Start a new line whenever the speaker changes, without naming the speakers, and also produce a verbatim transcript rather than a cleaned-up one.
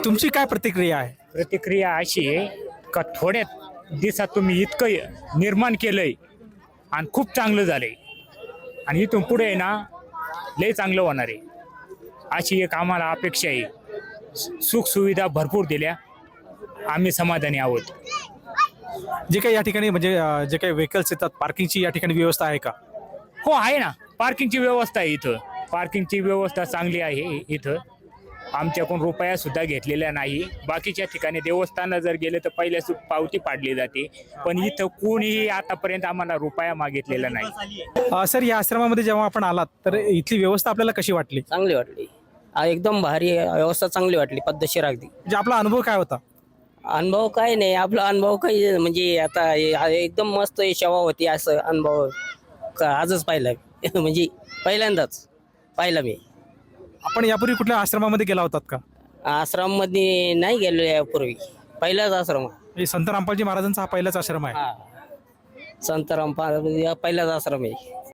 तुमची काय प्रतिक्रिया आहे?
प्रतिक्रिया अशी आहे का थोड्यात दिवसात तुम्ही इतकं निर्माण केलंय आणि खूप चांगलं झालंय आणि इथून पुढे आहे ना लय चांगलं होणार आहे अशी एक आम्हाला अपेक्षा आहे. सुख सुविधा भरपूर दिल्या, आम्ही समाधानी आहोत.
जे काही या ठिकाणी म्हणजे अं, जे काही व्हेकल्स येतात पार्किंगची या ठिकाणी व्यवस्था आहे का?
हो आहे ना, पार्किंगची व्यवस्था आहे इथं. पार्किंगची व्यवस्था चांगली आहे इथं. आमच्याकडून रुपया सुद्धा घेतलेला नाही. बाकीच्या ठिकाणी देवस्थानात जर गेले तर पहिल्याच पावती पाडली जाते, पण इथं कोणीही आतापर्यंत आम्हाला रुपया मागितलेला नाही.
अं, सर या आश्रमामध्ये जेव्हा आपण आलात तर इथली व्यवस्था आपल्याला कशी वाटली?
चांगली वाटली. आ, एकदम भारी व्यवस्था चांगली वाटली, पद्धतशीर अगदी.
म्हणजे आपला अनुभव काय होता?
अनुभव काय नाही, आपला अनुभव काही म्हणजे आता हे- आ- एकदम मस्त सेवा होती असं अनुभव का आजच पाहिला म्हणजे पहिल्यांदाच पाहिला मी.
आपण यापूर्वी कुठल्या आश्रमामध्ये गेला होतात का?
आश्रम मध्ये नाही गेलो यापूर्वी, पहिलाच आश्रम.
हे संत रामपालजी महाराजांचा हा पहिलाच आश्रम आहे.
हा, संत रामपाल पहिलाच आश्रम आहे.